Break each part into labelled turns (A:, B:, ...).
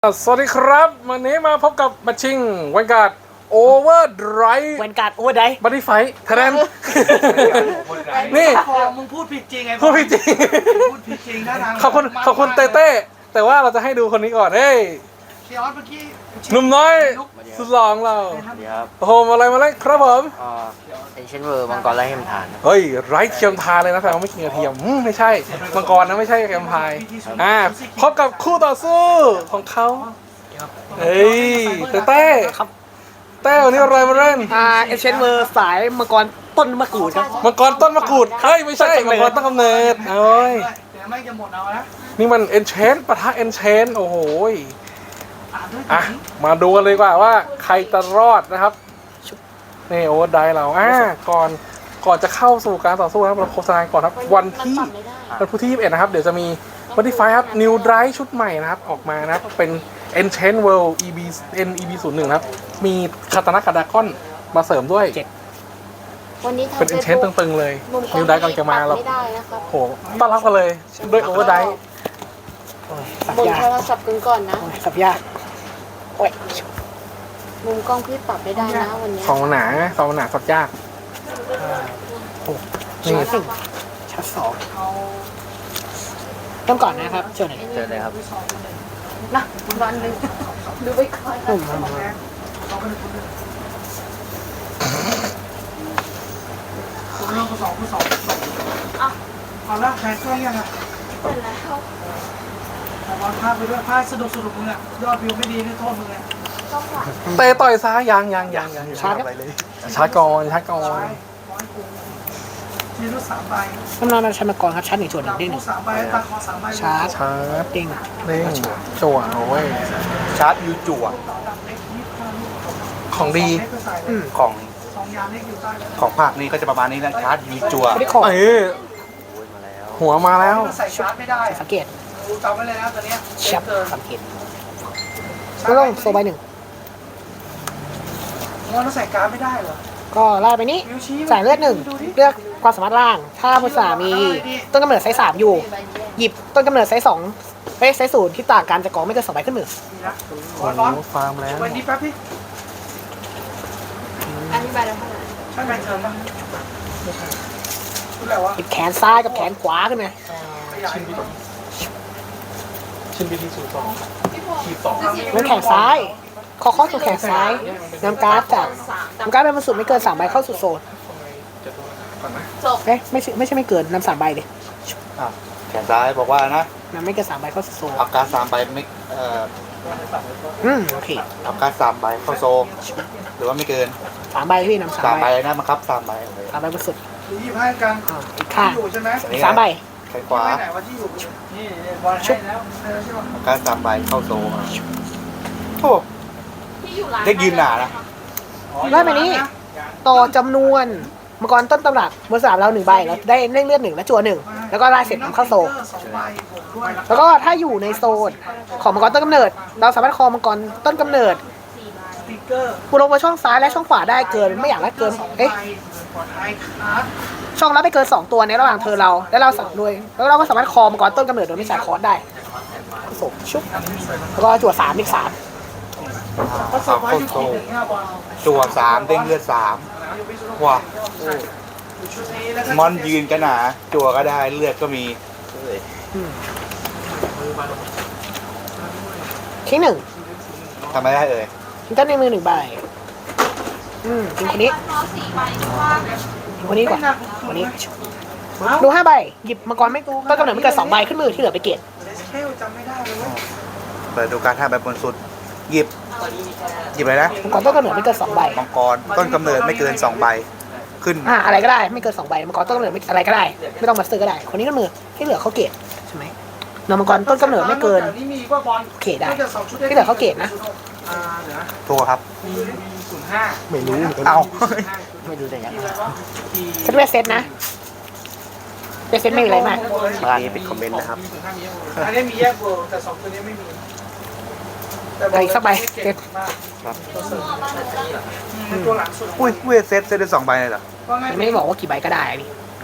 A: สวัสดีครับวันนี้มาพบกับบัชชิงวันการ์ดโอเวอร์ไดรฟ์
B: วันการ์ดโอเวอร์ไดรฟ์
A: บัตตี้ไฟท์แทนนี่
C: มึงพูดผิดจริงไง
A: พูดผิดจริง
C: พูดผิดจริงท่าทาง
A: ขอบคุณเต้เต้แต่ว่าเราจะให้ดูคนนี้ก่อนเฮ้ย
C: เชียร์เมื่อกี้
A: หนุ่มน้อยสุดหล่อของเรา
D: สวัสดีครับ
A: โอ้โหอะไรมาเล่นครับผม
D: เอเชนเวอร์มังกรไร้เทียมทาน
A: เฮ้ยไร้เทียมทานเลยนะแต่ว่าไม่กินกระเทียมไม่ใช่มังกรนะไม่ใช่แกมพายพบกับคู่ต่อสู้ของเขาเฮ้ยเต้เต้วันนี้อะไรมาเล่น
B: เอเชนเวอร์สายมังกรต้นมะกรูดครับ
A: มังกรต้นมะกรูดเฮ้ยไม่ใช่มังกรต้นกำเนิดเอ้ย
C: เดี๋ยวไม่จะหมดเอานะ
A: นี่มันเอนเชนปะทะเอนเชนโอ้โห
C: อ่านด้วย
A: อ่ะมาดูกันเลยดีกว่าว่าใครจะรอดนะครับนี่โอเวอร์ไดเราก่อนจะเข้าสู่การต่อสู้นะครับเราโฆษณาก่อนครับวันพุธที่ 21 นะครับเดี๋ยวจะมีวันที่ไฟครับ New Drive ชุดใหม่นะครับออกมานะครับเป็น Enchant World EB01 นะครับมีคาตานะคาดากอนมาเสริมด้วย
E: วันนี้
A: เป็น Enchant ตึงๆเลย New Drive กำลังจะมาเรา
E: ไม่ได้นะครับ
A: โหต้อนรับกันเลยด้วยโอเวอร์ได
B: สับ
E: บน
B: ยาก
E: โทรศัพท์กันก่อนนะ
B: สับยากโอ้ย
E: มุมกล้องพี่ปรับไม่ได้นะวันนี้
A: สองหนาสับยากนี่
B: ชั้นหนึ่งชั้นสองเริ่มก่อนนะครับเชิญหน่อย
D: เจอเลยครับ
E: นะวันหนึงดูไปก่อน
C: คุณลงสองเอาละแข่งเครื่องยังอ่ะ
E: เสร็จแล้ว
C: แต่บอลพลาดไปด้วยพลาดสนุกมึงอ่ะยอดวิวไม่ดีนี่โทษมึงไง
E: ก็ขวา
A: เตะต่อยซ้ายยังชาร์จก่อน
C: ทีรุ่น3ใบ
B: น้ำนานชั้นมังกรครับชั้นหนึ่งส่วนหนึ่งเด้งห
C: รุ่
B: นึ่
C: น
B: ง
C: 3ใบตาคอ3ใบ
B: ชาร์จ
A: ชาร์จ
B: เด้ง
A: เด้งจั่วโอ้ย
D: ชาร์จยูจั่ว
A: ของดี
D: ของ
C: 2 ยามเล็กอยู่ใต้
D: ของภาคนี้ก็จะประมาณนี้นะชาร์จยูจั่ว
B: ไม่ได้ขอ
A: เอ้ย
D: โอ้ยมาแล้ว
A: หัวมาแล้ว
C: ใส่ชาร์จไม่ได้
B: สังเกต
C: ดูจำไว้เลยนะตอนนี้
B: ชับสังเกตไม่ต้องโซใบหนึ่ง
C: มันใส่การ์ดไม่ได้เหรอ
B: ก็ไล่ไปนี้ใส่เลือดหนึ่งเลือกความสามารถล่าง ถ้าภาษามีต้นกำเนิดไซส์3อยู่ หยิบต้นกำเนิดไซส์2ไซส์0ที่ต่างกันจะกองไม่เกิน2ใบขึ้นมือ
C: ดีนะข
A: โอ้
C: อร้อน
A: โหฟาร์มแล้ว
C: วันนี้แป๊บพี่
E: อันนี้ใบละเท่าไหร่
C: ใช่ไหมเชิญป่ะรู้แล้ววะ
B: หยิบแขนซ้ายกับแขนขวาขึ้นมา
A: ชิ้นบีทีสูตรสองขีดสอง
B: แล้วแขนซ้ายขอข้อสู่แขนซ้ายนำการ์ดจากนำการ์ดเป็นบรรจุไม่เกิน3ใบเข้าสู่โซน
E: จบ
B: เอ๊ะไม่ใช่ไม่เกินนำ3ใบเลย
D: แขนซ้ายบอกว่านะ
B: นำไม่เกิน3ใบเข้าสู่โซน
D: เอาการ3ใบไม่
B: โอเค
D: เอาการ3ใบเข้าโซหรือว่าไม่เกิน
B: 3ใบพี่นำ3
D: 3
B: ใบ
D: ใบนะบังคับ3ใบ
B: 3ใบบรรจุ
C: 25กลาง
B: อีกข้าง
C: อยู่ใช่ไหม
B: 3ใบ
D: แขนขวา
C: ไหนว่าที่อยู่นี่บอลให้แล้วใช่ป่ะ
D: เอาการ3ใบเข้าโซโอ้
E: ที่อยู่ร้าน
D: เด็กยืนหนานะ
B: ไล่ไปนี้ต่อจำนวนมังกรต้นตำรับเมื่อ3เรา1ใบเราได้เล่งเลือด1และจั่ว1แล้วก็ไล่เสร็จนำเข้าโซน
C: 2ใบบวกด้วย
B: แล้วก็ถ้าอยู่ในโซนของมังกรต้นกำเนิด เราสามารถคอมังกรต้นกำเนิด
C: สติ๊กเกอร์
B: กูลงมาช่องซ้ายและช่องขวาได้เกินไม่อยากได้เกินเอ๊ะ
C: ปลอดภัยครับ
B: ช่องรับไปเกิน2ตัวในระหว่างเธอเราและเราสั่งด้วยแล้วเราก็สามารถคอมังกรต้นกำเนิดโดยไม่ใส่คอร์สได้ส่งชุบแล้วก็จั่ว3อีก3
C: เพราะส
D: เอา
C: บาย
D: เข้า
C: อยู่
D: โซ
C: ที่1 5บอล
D: จั่ว3เด้งเลือด3ว้า
C: ชุดนี้แล้วก็
D: มอนยืนก็หนาจั่วก็ได้เลือดก็มี
B: ทิ้งหนึ่ง
D: ทำไม่ได้เอ่ย
B: ทิ้งต้นในมือ1ใบทิ้งคนนี้
E: พอ4ใบหรือว่า
B: ทิ้งคนนี้ก่อนคนนี้ดู5ใบหยิบมังกรไม่ต้นกำเนิดไม่เกิน2ใบขึ้นมือที่เหลือไปเกต
C: เทลจำไม่ได้เลยเว้ย
D: เปิดดูการท่าแบบบนสุดหยิบอะไรนะ
B: มังกรต้นกำเนิดไม่เกิน2ใบ
D: มังกรต้นกำเนิดไม่เกิน2ใบขึ้น
B: อะไรก็ได้ไม่เกิน2ใบมังกรต้นกำเนิดไม่อะไรก็ได้ไม่ต้องมาซื้อก็ได้คนนี้ก็มือที่เหลือเขาเกตใช่ไหมนำมังกรต้นกำเนิดไม่เกิน
C: นี่มีว่าบอล
B: เขตได้ที่เหลือเขาเกตนะ
C: เดี๋ยวนะ
D: ตัวครับ
C: มี05
A: ไม่รู้
D: เอา
B: ไม่ดูแต่ยังเซตเวสเซตนะเวสเซตไม่มีอะไรมาก
D: บ้านนี้เป็นคอมเมนต์นะครับ
C: อันนี้มีแยกเวิร์แต่2ตัวนี้ไม่มี
B: อะไรสักใบเซต
C: ตัวหลังสุด
D: อุ้ยเวทเซตได้2ใบเลยเหรอ
C: ว่าไง
B: ไม่ได้บอกว่ากี่ใบก็ได้นี่
D: โอ้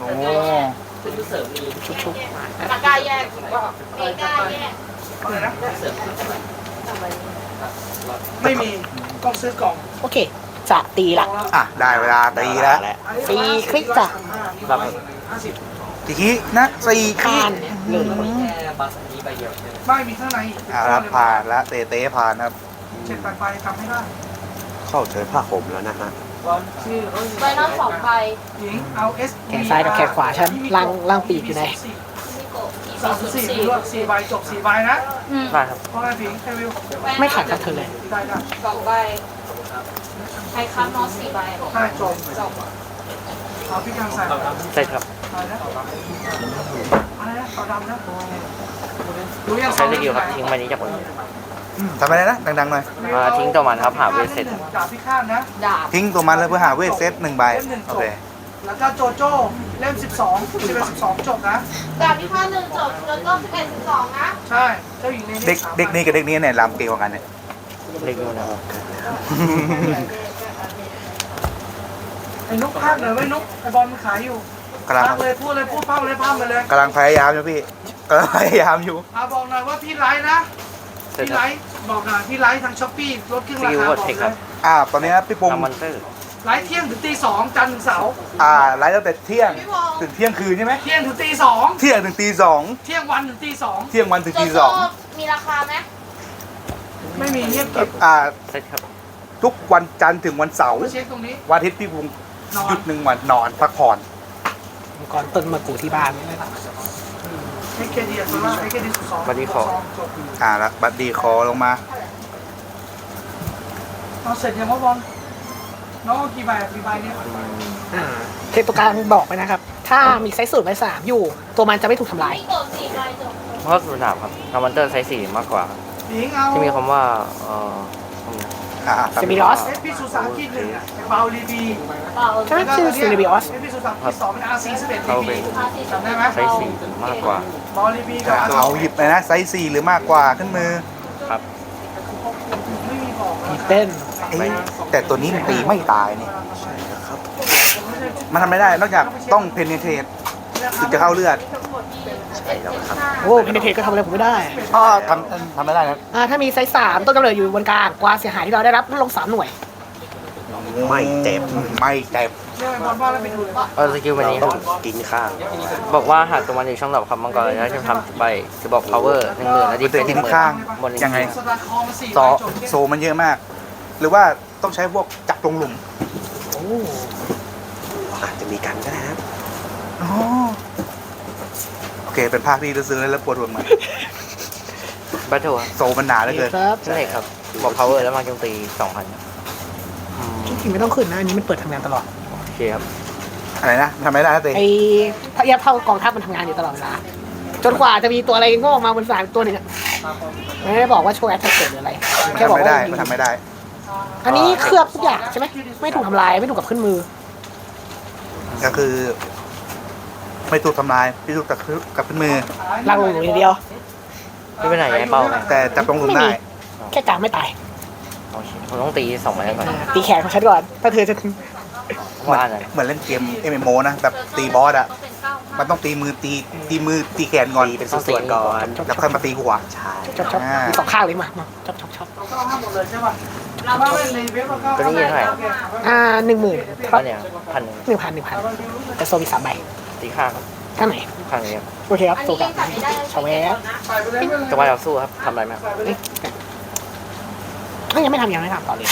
B: ชุบ
E: ตะกร้าแยกมีกล้าแยก
C: อะไรนะไม่มีต้องซื้อกล่อง
B: โอเค จะตีละ
D: อ่ะได้เวลาตีแล้ว
B: ตีคลิกจ้ะ
D: ทีนี้นะสี่คลิ
B: ผ่าก นเลย
C: ไม่มีข้างใน
D: อ่าครับผ่านแล้วเต้ผ่านครับ
C: เจ็ดไปทำให้ได้
F: เข้าเจอผ้าห่มแล้วนะฮะ
E: ใบหน้า2ใบ
C: หญิงเอา S
B: แขนซ้ายกับแขนขวาฉันล่างปีกอยู่ไหน
C: 4 ด้วย4ใบจบ4ใบนะ
A: ได้ครับ
C: เพราะอะไรผิงให้วิว
B: ไม่ขาดกับเธอเลย
C: ได้ได้
E: 2ใบใครค้ำนอ4ใบ
C: ใช่จบเอาพี่กางใส่
A: ใช่ครับ
C: อะไรนะอะไรนะขาวดำนะรู้ยัง
G: ใช้สกิลครับทิ้งใบนี้จากบน
D: ทำอะไรนะดังๆหน่อย
G: ทิ้งตัวมันครับหาเวทเสร็จ
C: ดาบพิฆาตนะ
E: ดาบ
D: ทิ้งตัวมันเลยเพื่อหาเวทเซต1 ใบโอเค
C: แล้วก็โจโจ้เล่ม12 12จบนะ
E: ดาบที่5 1จบแล้วก็11 12นะ
C: ใช่เจ้าหญิงใน
D: เด็กนี้กับเด็กนี้เนี่ยรำเกลียวกันเนี่ย
G: เล็กนู่นนะครับ
C: ไอ้นุ๊กภาคเลยไว้นุ๊กไอ้บอลมันขายอยู่
D: กำลัง
C: ภาคเลยพูดเลยพูดภาคเลยภาคมาเลย
D: กำลังพยายามอยู่พี่กำลังพยายามอยู่
C: บอกหน่อยว่าพี่ไลฟ์นะ
G: เสร็จ
C: พี่
G: ค
C: ไล
G: รับ
C: ฟ์บอกหน่อยพี่ไลฟ์ทางช้อปปี้ลดครึ่ง
G: ส
C: รา
G: กิล
C: คา
G: ว
C: บ
G: อ
C: อก
G: ร์เทค
C: เล
G: ครั
C: ย
G: บ
D: ตอนนี้พี่ปุง
G: ทำมอนเตอร์
C: ไลฟ์เที่ยงถึงตี 2จันทร์ถึงเสาร์
D: ไลฟ์ตั้งแต่เที่ยงถึงเที่ยงคืนใช่ไหม
C: เที่ยงถึงตี
D: เที่ยงถึงตี
C: 2เที่ยงวันถึงตี
D: 2เที่ยงวันถึง
E: โจ
D: ตี
E: โจ้มีราคาไหม
C: 2ไม่มีเงียบเก็บ
G: เสร็จครับ
D: ทุกวันจันทร์ถึงวันเสาร์
C: มาเช็คตรงนี้
D: วันอาทิตย์พี่ปุง
C: นอ
D: หยุ
C: น
D: ด1 วันนอนพักผ่อน
B: มังกรต้นมะกรูดที่บ้าน
C: ให้เครดิตโซล่าให้เครดิต2
G: บัดดี้ขอ
C: จบ
D: แล้วบัดดี้คอลงมา
C: เอาเสร็จยังว่าบอลน้องเอากี่ใบกี่ใบเนี่ย
B: เทปตัวกลางบอกไปนะครับ ถ้ามีไซส์สูตรไว้3อยู่ ตัวมันจะไม่ถูกทำลาย
E: พี่กด4ใบจบ
G: เพราะสุดหนาบครับทำมอนเตอร์ไซส์4มากกว่าครับ
C: หญิงเอา
G: ที่มีคำว่า
B: เซมิลอส
C: เอสพีซูซากิ1อ่ะเบาลีบี
E: เปล่า
B: ใช่ไหมชื่อเซเลบิออส
C: เอสพีซูซากิ2เป็น RC 11
G: เข้า
C: ลี
G: ไป
C: บีจำได้ไหม
G: ไซส์4มากกว่า
C: บอลลีบีกับ
D: เอาหยิบเลยนะไซส์4หรือมากกว่าขึ้นมือ
G: ครับ
C: ไม่มีบอก
B: มีเต้น
D: เอ๊ะแต่ตัวนี้มันตีไม่ตายนี่มันทำไม่ได้นอกจากต้องเพนเนเทตถึงจะเข้าเลือด
B: โอ้เพนเทก็ทำอะไรผมไม่ได้
D: อ๋อทำไม่ได้นะ
B: ถ้ามีไซส์3ต้นกำเนิดอยู่บนกลางความเสียหายที่เราได้รับลดลง3 หน่วย
F: ไม่เจ็บ
D: ไม่เจ็บ
C: เรื่องบอลว่าแล้วไปดูเลย
G: สกิลใบ
F: เรา
G: นี้
F: ต้องกินข้าว
G: บอกว่าหากตัวมันอยู่ช่องดอกครับมังกรแล้วจะทำใบจะบอก power 10,000และดี
D: มัน
G: เฟ
D: จะ
G: นซ์
D: กินข้าง
G: บน
D: ยังไง
C: สตาร์คอมา4
D: ซ
C: ใบ
D: อ
C: จบ
D: โซมันเยอะมาก หรือว่าต้องใช้พวกจับลงหลุม
F: อาจจะมีกันก็ได้ครับ
D: อ๋อโอเคเป็นภาคที่ซื้อแล้วปวดหัวมัน
G: บัตเทิล
D: โซมันหนาเหลือเกิน
B: ครับ
G: ใช่ครับบอก power แล้วมาโจมตี 2,000
B: จริงๆไม่ต้องขึ้นนะ อันนี้มันเปิดทำงานตลอด
G: โอเคครับ
D: อะไรนะทำไม่ได้นะเต้
B: ไอ้พยับเท่ากองทัพมันทำงานอยู่ตลอดเวลา จนกว่าจะมีตัวอะไรโง่ออกมาบนสนามตัวหนึ่งอะไม่ได้บอกว่าโชว์แอตแทกเกิดหรืออะไร
D: มัน
B: แค่
D: ทำ
B: บอก
D: ไม่
B: ว่า
D: ได้มันทำไม่ได้
B: อันนี้เคลือบทุกอย่างใช่ไหมไม่ถูกทำลายไม่ถูกกับขึ้นมือ
D: ก็คือ ไม่ถูกทำลายไม่ถูกกับขึ้นมือ
B: ล่างลงอยู่อย่างเดียว
G: พี่ไปไหนย้ายเป้าไหม
D: แต่จับลงหลุมได้
B: แค่กลางไม่ตาย
G: โอเคผมต้องตี2ใบก่อน
B: ตีแขนของฉันก่อน ถ้าเธอจะ
G: ว่าอันนั้น
D: เหมือนเล่นเกม MMO นะแบบตีบอสอะมันต้องตีมือตีแขนก่อน
F: ตีเป็นส่วนๆก่อน
D: แล้วค่อยมาตีหัว
F: ใช่
B: ชอบมี2 ข้างเลยมาชอบ
C: เราก็เอาห้าหมดเลยใช่ป่ะเราก็เล่นในเว็บเราก็
G: ตัวนี้เท่าไหร่
B: 10,000ค
G: ก็
B: รับ
G: เนี่ย1,000
B: 1,000แต่โซมี3 ใบ
G: ตีข้างครับ
B: ข้างไหน
G: ข้างนี้ครับ
B: โอเคครับ
E: อัน
B: โซ
E: นี้
B: กั
E: ยั
B: บ
E: งจับไม่ได้
B: ชาวแวร์
C: ใส่ไปเลย
G: จะว่าเราสู้ครับทำอะไรไหมครับ
B: ยังไม่ทำต่อเลย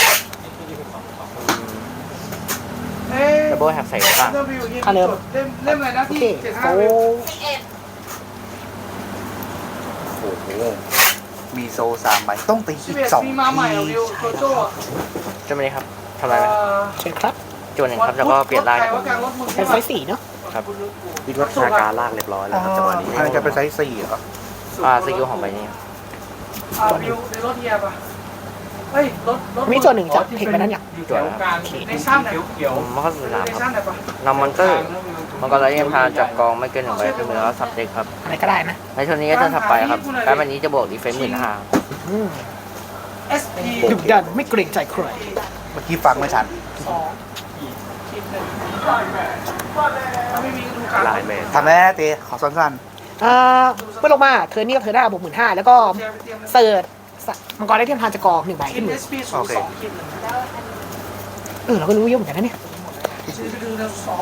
C: เอ๊ะ
G: ดับเบิลแฮปใส่ข้าง
C: เล่มอะไรนะ
B: โอ
C: ที่
B: เคโซ
C: 75เว็บ
D: โอ้โหมีโซ3 ใบต้องตีอีก
C: 11
D: 2
C: มีมาใหม่เหรอ
D: ที
C: วิวโจโจ้อะ
G: จะไม่ได้ครับทำอะไรไหม
B: เชิญครับ
G: จวนหนึ่งครับแล้วก็เปลี่ยนลาย
C: รถใครว่ากลางรถมึง
B: เป็นไซส์4เนาะ
F: วิทยาการลากเรียบร้อยแล้วครับจังหวะนี้
D: อันนี้จะเป็นไซส์4เหรอ
G: สกิลของใบนี้ครับ
C: วิวในรถเฮียป่ะเฮ้ยรถ
B: มีตัวหนึ่งจะเทคไปนั้นอย่าง
G: จวนครับ
C: ในชั่นไหน
G: มันก็สุดสาม
C: ใน
G: ค
C: ชั่
G: รับ
C: นไหนป่ะ
G: นำมอนเตอร์มันก็เลยยังพาจับกองไม่เกิน1ใบขึ้นมือแล้วสับเด็กครับ
B: อะไรก็ได้นะ
G: ในช่วงนี้ก็จะถับไปครับการแบบนี้จะบวกดีเฟนซ์15,000
B: อืม
C: SP
B: ดุดันไม่เกรงใจใคร
D: เมื่อกี้ฟังไม่ทัน
C: ถ้าไม่มีดูการ
F: ลายแมน
D: ทำได้นะเต้ขอสั้น
B: เมื่อลงมาเธอนี่กับเธอได้บวก15,000แล้วก็เสิร์ชมังกรได้เทียมทานจะกอง1ใบ
C: กิ
B: ขึ้
C: น
B: นมื
C: เอ
B: อ
C: สพีศูนย์สองกินหนึ่ง
B: เราก็รู้เยอะเหมือนกันนะเนี่ย
C: ชื่อคือเราสอง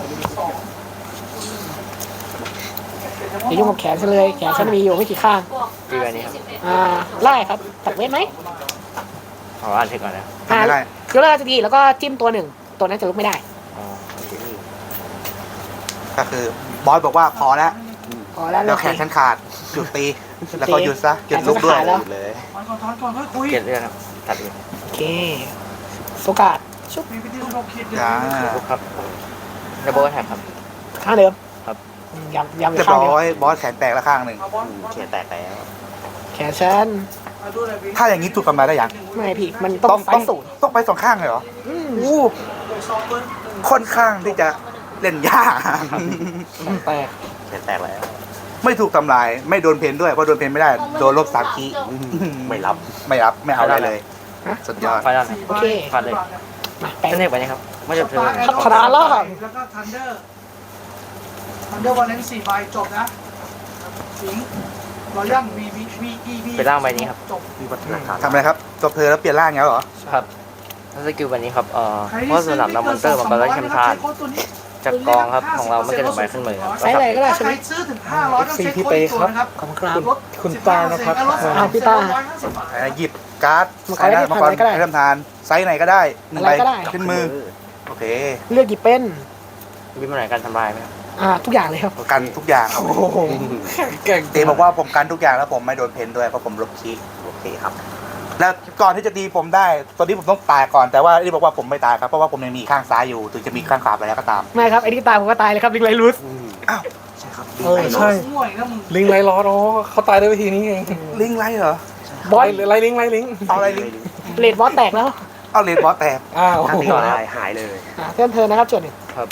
B: อย่ายุ่งกับแขนฉันเลยแขนฉันมีอยู่ไม่กี่ข้าง
G: ตีไปนี้ครับ
B: ไล่ครับตัดเวทไหม
G: ขออ่านเทคก่อนนะ
D: ทำไม่ได้
B: เดี๋ยวเราจะดีแล้วก็จิ้มตัวหนึ่งตัวนั้นจะลุกไม่ได้
G: อ๋อโอเค
D: ก็คือบอสบอกว่าพอแล้ว
B: พอแล้ว
D: แล้วแขนฉันขาดหยุดตี แล้วก็หยุดซะหยุดลุกด้วย
B: แล้ว
F: เลย
C: ถอนก่อนค่อยคุย
G: เกลียดเรื่องครับตัดเอง
B: โอเคโซกาดชุบ
C: มีวิธีเราคิด
D: จ้า
G: ทุกครับดับเบิลแท็บครับ
B: ข้างเดิม
G: ครับ
B: ยำ
D: เรียบ
B: ข้างเดียว
D: ร้อยบอสแขนแตกแล้วข้างหนึ่ง
F: เขียนแตกแล้ว
B: แขนฉัน
C: ดูเลยพี่
D: ถ้าอย่างนี้ถูกกำไรได้ยัง
B: ไม่พี่มันต้องไฟสูตร
D: ต้องไปสองข้างเลยเหรอ
B: อืม
D: อู้ค่อนข้างที่จะเล่นยาก
B: แปลก
F: เขียนแตกแล้ว
D: ไม่ถูกทำลายไม่โดนเพนด้วยเพราะโดนเพนไม่ได้โดนลบ3 คี
F: ไม่รับ
D: ไม่รับไม่เอาได้เลย สุดยอด
G: ไฟนอลครับ
B: โอเค
G: ฟันเลย
B: มาแปลง
G: เทคไปนี้ครับไม่จบเธอ
B: พัฒนาล่า
C: แล้วก็ทันเดอร์วันนี้4ใบจบนะสิงรอยัลVE
G: ไปล่างใบนี้ครับ
C: จบ
F: วิวัฒนาการ
D: ทำอะไรครับจบเธอแล้วเปลี่ยนร่างเงี้ยเหรอ
G: ครับแล้วสกิลใบนี้ครับเพราะสนามนำมอนเตอร์มันก็ได้แชมทานจากกองครับของเราไม่เกิน1ใบขึ้นมือครับ
B: ใช้อะไรก็ได้
C: ถ้า
B: ใช่ไห
C: ใค
B: ม
C: รซื้อถึง500ต้องใช้โค้ดอีกตัวนะครับ
B: ขอบคุณครับ
A: คุณตานะครับ
B: พี่ตา
D: หยิบการ์ด
B: มังกร
D: ใส่ได้
B: ได้
D: มังกร
B: ทำอะไรก็ได้
D: ให้ทำทานไซส์ไหนก็ได้หนึ่ง
B: อะไร
D: ใบ
B: ก็ได้
D: ขึ้นมือโอเค
B: เลือกกี่เป็น
G: มีปัญหาการทำลายไหมครับ
B: ทุกอย่างเลยครับ
D: กันทุกอย่าง
A: โอ้โหเก่ง
D: เตบอกว่าผมกันทุกอย่างแล้วผมไม่โดนเพนด้วยเพราะผมลบคี
F: โอเคครับ
D: แล้วก่อนที่จะตีผมได้ตอนนี้ผมต้องตายก่อนแต่ว่าที่บอกว่าผมไม่ตายครับเพราะว่าผมยังมีข้างซ้ายอยู่ถึงจะมีข้างขวาไปแล้วก็ตาม
B: ไม่ครับไอ้ที่ตายผมก็ตายเลยครับลิงไลรูส
D: อ้าว
F: ใช่ครับ
A: เออใช่
C: ห่วยนะมึง
A: ลิงไรล้ออ๋อเขาตายด้วยวิธีนี้เอง
D: ลิงไรเหรอบ
B: อส
A: ไรลิงไรลิง
D: เอาอะไรลิง
B: เลดบอสแตกแล้ว
D: เอาเลนบอสแตก
A: อ้าว
F: ถ้าตีต่อได้หายเลย
B: เพื่อนเธอนะครับจุดหนึ่ง
G: ครับ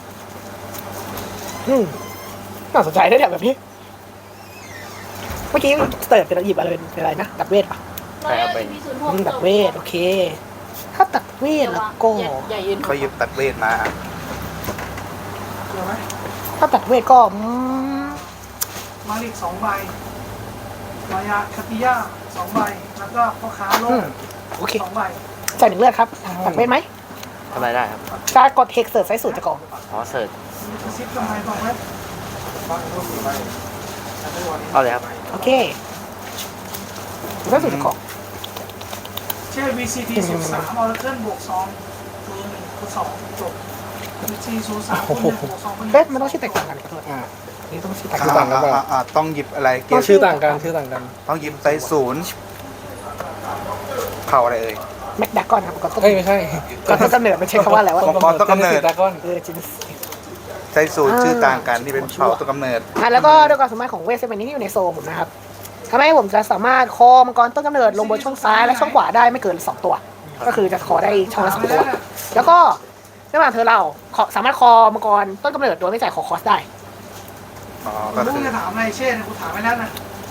B: น่าสนใจได้แบบนี้เมื่อกี้สเติร์ดเป็นหยิบอะไรเป็นอะไรนะตัดเวทปะ
G: ใช่ครับไป
B: ตัดเวทโอเค ถ้าตัดเวทแล้วก็
E: อย่ายืน
D: เขาหยิบตัดเวทมา
C: เดี๋ยวไหม
B: ถ้าตัดเวทก็
C: มาลิก2ใบมายาคาติยา2ใบแล้วก็พ่อค้าโลก
B: โอเค
C: 2ใบ
B: ใส่หนึ่งเลือดครับตัดเวทไหม
G: ทำอะไรได้ครับ
B: การกดเทคเสิร์ฟไซส์สูตรจะกอง
G: อ๋อเสิร์ช
C: มีกระซิบทำไมบอกไว้
G: เอาเลยครับ
B: โอเคไซส์สูตรจะกอง
C: เช่ VCT 03ออร์เคิลบวก2ตัว1ตัว2จบ VCT 03คน1บวก2คน
B: เอ๊ะมันต้องชื่อแตกต่างกันขอโทษนี่ต้องชื่อแตกต่าง
A: ต่างกันเปล่า
D: ต้องหยิบอะไรเกี
A: ต้
D: ย
A: อง
D: ร์
A: ชื่อต่างกันชื่อต่างกัน
D: ต้องหยิบไซส์ศูนย์เผาอะไรเอ่ย
B: แม็กดักกอนครับก่อนต้น
A: เอ้ยไม่ใช่
B: ก่อนต้นกำเนิดมันใช้คำว่าอะไรวะ
D: มังกรต้นกำเนิด
A: ดากอน
B: จิน
D: ไซส์ศูนย์ชื่อต่างกันที่เป็นเผาตัวกำเนิด
B: แล้วก็ด้วยความสามารถของเวทเซนนี้ที่อยู่ในโซผมนะครับทำให้ผมจะสามารถคอมังกรต้นกำเนิดลงบนช่องซ้ายและช่องขวาได้ไม่เกิน2ตัว ก็คือจะคอได้ช่องละ2ตัว แล้วก็ระหว่างเธอเราสามารถคอมังกรต้นกำเนิดโดยไม่จ่ายคอคอสได้
D: อ๋อ
C: มึ
D: ก็
C: ง
D: คือ
C: จะถามอะไรเช่เนี่ยกูถามไปแล้วนะ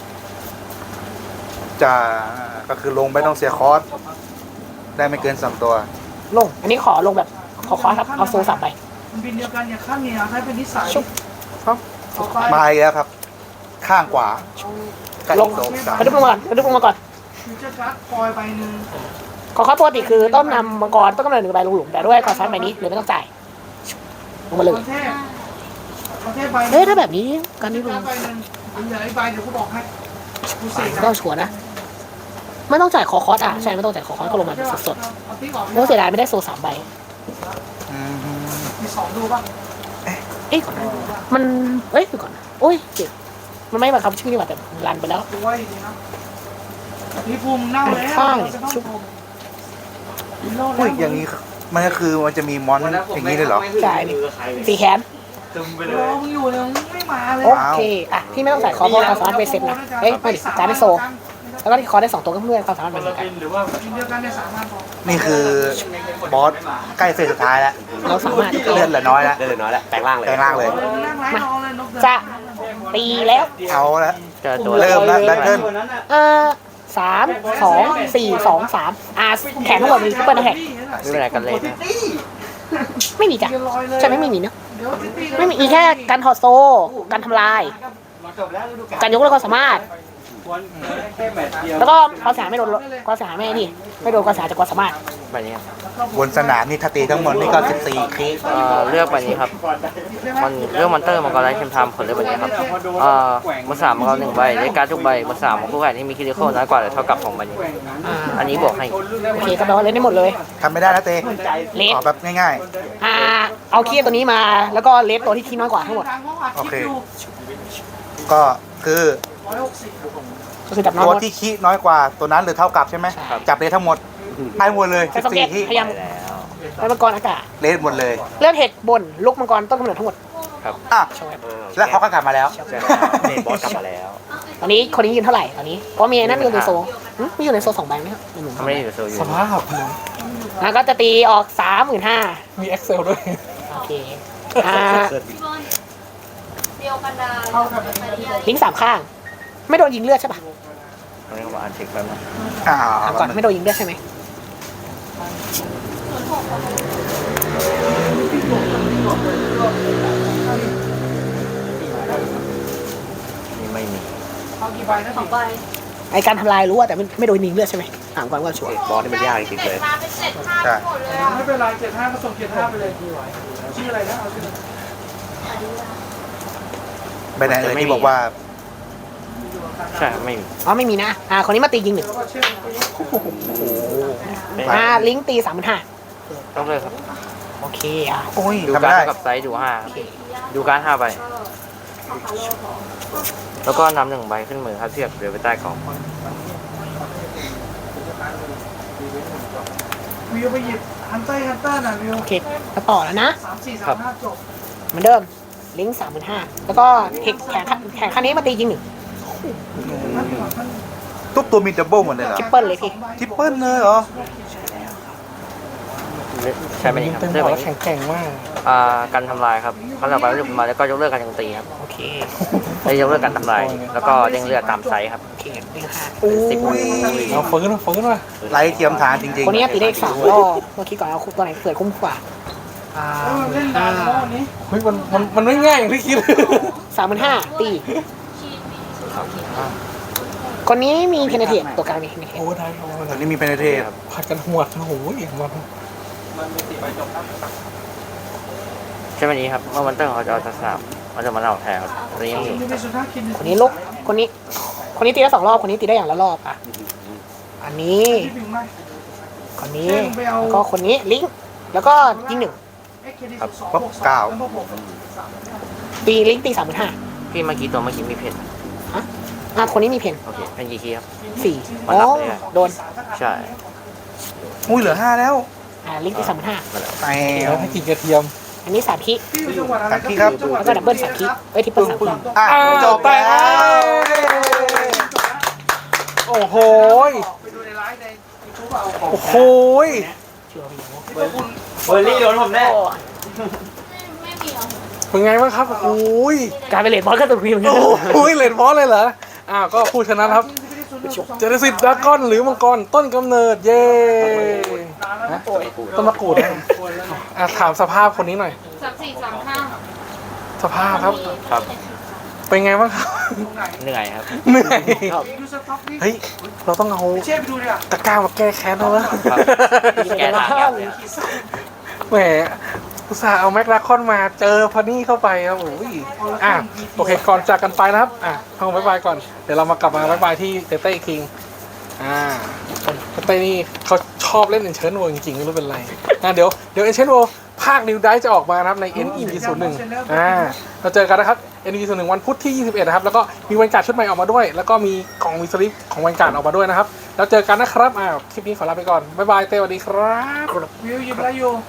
D: จะก็คือลงไม่ต้องเสียคอร์สได้ไม่เกิน2ตัว
B: ลง อันนี้ขอลงแบบขอคอสครับเอาโซสับไป
C: มันบินเดียวกันอย่าข้ามเนี่ยให้เป็นนิสัย
B: ชุบ
C: ต่อไป
D: มาอีกแล้วครับ ข้างขวาใกล้
B: ลง
D: โซนสาม
B: กระดึ๊บลงมาก่อนกระดึ๊บลงมาก่อน
C: ฟิวเจอร์การ์ดคอยใบหนึ่ง
B: ขอคอสปกติคือต้องนำมังกรต้นกำเนิด1ใบลงหลุมแต่ด้วยคอสใบนี้เลยไม่ต้องจ่ายลงมาเลย
C: ประเทศประเทศใบ
B: เฮ้ยถ้าแบบนี้การนี้ลง
C: ใบหนึ่งเหลืออีกใบเดี๋ยวกูบอกให้กูเสก
B: ไม่ต้องชัวร์นะไม่ต้องจ่ายคอคอสใช่ไม่ต้องจ่ายคอคอสก็ลงมาสด
C: เอาติ๊กออก
B: ๆแล้วเสียดายไม่ได้โซ3ใบ
D: อืม
C: มี2ดูป่ะ
B: เอ๊ะก่อนนะมันเอ้ยดูก่อนนะโอ้ยเจ็บมันไม่บังคับชื่อนี่หว่าแต่รันไปแล้ว
C: ดูไว้ดีนะนี่ภูมิเน่าแล้ว
B: ข้าง
C: เราจะต้อง
B: ชุบ
C: ชมมีโลด
D: อุ้
C: แล้
D: ยว อย่างนี้มันก็คือมันจะมีมอนอย่างนี้เลยเหรอ
B: จ่ายนี่สีแขน
C: รอมึงอยู่เนี่ยมึงไม่มาเลย
B: โอเคอ่ะพี่ไม่ต้องจ่ายคอเพราะคอสามารถไปเซ็ตนะเอ้ยไม่ดิจ่ายได้โซ แล้วก็ที่คอได้2ตัวก็เพื่อนความสามารถเหมือนกัน
C: ทีมเดียวกันเนี่ย3,000พอ
D: นี่คือบอสใกล้เฟสสุดท้ายแล้ว
B: เราสามารถ
D: เลือดเหลือน้อยแล้ว
F: ได้เลยน้อยแล้วแปลงร่างเลย
D: แปลงร่างเลย
C: นั่งไร้รอเลยนกเดิน
B: จะตีแล้ว
D: เอาละ
G: เจอตัว
D: เริ่มแล้วแบทเทิล
B: 3 2 4 2 3แขนทั้งหมดมีซุปเปอร์นะแท็ก
G: ไม่เป็นไรกันเลยนะ
B: ไม่มีจ้ะใช่ไหมไม่มีเนอะ
C: เดี๋ยวตี
B: ไม่มีอีแค่การถอดโซ่การทำลาย การยกเลิกความสามารถแล้วก็ความเสียหายไม่โดนความเสียหายไม่นี่ไม่โดนความเสียหายจากความสามารถ
G: ใบนี้ครับ
D: บนสนามนี่ถ้าตีทั้งหมดนี่ก็14คลิก
G: เลือกใบนี้ครับมันเลือกมอนเตอร์มังกรไร้เทียมทามผลเลือกใบนี้ครับมือสามมังกร1 ใบได้การ์ดทุกใบมือสามของผู้แข่งที่มีคิริโคน้อยกว่าหรือเท่ากับของใบนี้ อันนี้บวกให้
B: โอเคก็แปลว่าเล่นได้หมดเลย
D: ทำไม่ได้นะเต้
B: เลส
D: ขอแบบง่าย
B: เอาคีย์ตัวนี้มาแล้วก็เลสตัวที่คีย์น้อยกว่าทั้งหมด
D: ๆ โอเค ก็คือ
B: ก็คือจับน้อย
D: ตัว
B: หมด
D: ที่คิน้อยกว่าตัวนั้นหรือเท่ากับใช่ไหม
G: ครับ
D: จับเลสทั้งหมดให้หมดเลย
B: ใช้สองเกต
D: 14ที่
B: พยายาม
G: ได้แล้ว
B: ไปมังกรอากาศ
D: เลสหมดเลย
B: เลือดเห็ดบนลูกมังกรต้นกำเนิดทั้งหมด
D: อ่ะ
B: ใช่ไหม
D: แล้วเขาก็กลับมาแล้ว
G: ใช่แล้วเนบอสกลับมาแล้ว
B: ตอนนี้คนนี้ยืนเท่าไหร่ตอนนี้เพราะมีไอ้นั่นอยู่ในโซนมีอยู่ในโซน2 ใบไหมครับหนึ่ง
G: ทำไม่ได้อยู่โซอยู่
A: สภาพ
B: แล้วก็จะตีออก 35,000
A: มี Excel ด้วย
B: โอเค
E: เดียวกันดา
B: ลิงก์3 ข้าง ไม่โดนยิงเลือดใช่ปะ
G: ตรงนี้ผมอ่านเช็คแป๊บนึง
B: ถามก่อนไม่โดนยิงเลือดใช่ไหม
G: นี่ไม่มี
C: เอากี่ใบนะ
E: 2 ใบ
B: ไอการทำลายรู้ว่าแต่ไม่โดนยิงเลือดใช่ไหมถามก่อนว่าชัวร์
G: บอสนี่มันยากจริงๆเลย
E: มาเป็น7 5
D: ใช่
E: หมดเลยอ่ะ
C: ไม่เป็นไร75ก็ส่ง75ไปเลยชื่ออะไรนะเอาชื่อ
D: ไปไหนเลยที่บอกว่า
G: ใช่ไม่มี
B: อ๋อไม่มีนะคนนี้มาตียิง 1
C: แล้วก็ชื่อ
G: ไม่
B: ลิงก์ตี
G: ต้องเลยครับ
B: 35,000โอเค
D: โอ้ย
G: ดู
D: ทำไม่
G: การ์
D: ได้
G: ดกับไซส์ดู5ครับดูการ์ด5 ใบ แล้วก็นำ1 ใบขึ้นมือครับเทียบเดี๋ยวไปใต้กล่อง
C: วิวไปหยิบฮันเตอร์น่ะวิว
B: โอเคแล้วต่อแล้วนะ
C: 3-4-3-5จบ
B: เหมือนเดิมลิงก์35,000แล้วก็เทคแข่งขั้นนี้มาตียิง 1
D: ทุกตัวมีดับเบิลหมดเลยเหรอ
B: ทริปเปิลเลยพี่
D: ทริปเปิลเลยเหรอ
G: ใช่ไหมนี่ครับ
A: เต็ม
G: เลือก
A: หั
G: ใบ
A: วแล้ว
G: นี้
A: แข็งๆมาก
G: การทำลายครับเขาจะไปยกมาแล้วก็ยกเลิกการโจมตีครับ
B: โอเค
G: ได้ยกเลิกการทำลาย แล้วก็เด้งเลือดตามไซส์ครับ
B: โอเคลิงก์5
D: โอ้ย
A: เอาฟื้นมา
D: ไร้เทียมทานจริง
B: คนนี้ตีได้อีก3 รอบเมื่อกี้ก่อนเอาตัวไหนเกิดคุ้มกว่า
C: เล่นดาวแล้ววันนี้
A: เฮ้ยมันไม่ง่ายอย่างที่คิด
B: 35,000ตี คนนี้มีเพนเทตตัวกลางมีเพนเทต
A: โอ้ได้โอ้
D: ๆต
A: ได้
D: อนนี้มีเพนเทส
A: ผัดกันหวดโอ้โหอย่างมัน
G: ใช่ไหมนี้ครับเมื่อวันเตอร์เขาจะเอาสามเขาจะมาเอาแทนครับตอนนี้ยังอยู่
C: ยูนิสุดท้ายคิน
B: คนนี้ลุกคนนี้ตีได้2 รอบคนนี้ตีได้อย่างละรอบอันนี้
C: ที่พิงไหม
B: คนนี้แล้วก็คนนี้ลิงก์แล้วก็ยิง 1 ตีลิงก์ตี 35,000
G: พี่เมื่อกี้ตัวเมื่อกี้มีเพน
B: คนนี้มีเพน
G: โอเคเพนกี่คีย์ครับ
B: 4อ๋อโดน
G: ใช่
D: อุ้ยเหลือ5แล้ว
B: ลิงก์ตี 35,000
G: มาแล้ว
D: ไป
A: แล้วให้กินกระเทียม
B: อันนี้3 คิ
C: พี่อยู่จังหวัดอะไร
B: แล้วก็ดับเบิล3 คิทริปเปิล3 คิ
D: อ่ะจบแล้ว
A: โอ้โห
C: ไปดูในไลฟ์ในยูทูบเอาของ
A: โอ้โห
G: เบอร์รี่โดนผมแน่
E: ไม่มีเหรอ
A: เป็นไงบ้างครับโอ้ย
B: กลายเป็นเลดบอลก็ตัวพีเหมือนกัน
A: โอ้ยเลนบอสเลยเหรอก็ผู้ชนะครับเจเนซิสดากอนหรือมังกรต้นกำเนิดเย้ฮะต้นมะกรูดนะถามสภาพคนนี้หน่อย
E: 34-35
A: สภาพครับ
G: ครับ
A: เป็นไงบ้างครับ
G: เหนื่อยครับ
A: เหนื่อย
C: ดูสต็อกนี่
A: เฮ้ยเราต้องเอา
C: เช่ไปดูเนี่ย
A: ตะกร้ามาแก้แค้นแล้วนะ
G: แกทางแกเลย
A: แหมอุตส่าห์เอาแม็กลาคอนมาเจอพอนี่เข้าไปครับโอ้ยโอเคก่อนจากกันไปนะครับเอาบ๊ายบายก่อนเดี๋ยวเรามากลับมาบ๊ายบายที่เต้เต้คิงเต้นี่เขาชอบเล่นเอ็นเชนโวจริงๆไม่รู้เป็นไรเดี๋ยวเอ็นเชนโวภาคนิวไดจะออกมานะครับใน NEP01 เราเจอกันนะครับ NEP01 วันพุธที่ 21 นะครับแล้วก็มีวันการ์ดชุดใหม่ออกมาด้วย แล้วก็มีกล่องมีสลิปของวันการ์ดออกมาด้วยนะครับแล้วเจอกันนะครับคลิปนี้ขอลาไปก่อนบ๊ายบายเต้สวัสดีครับ
C: วิวยิบแล้วอยู่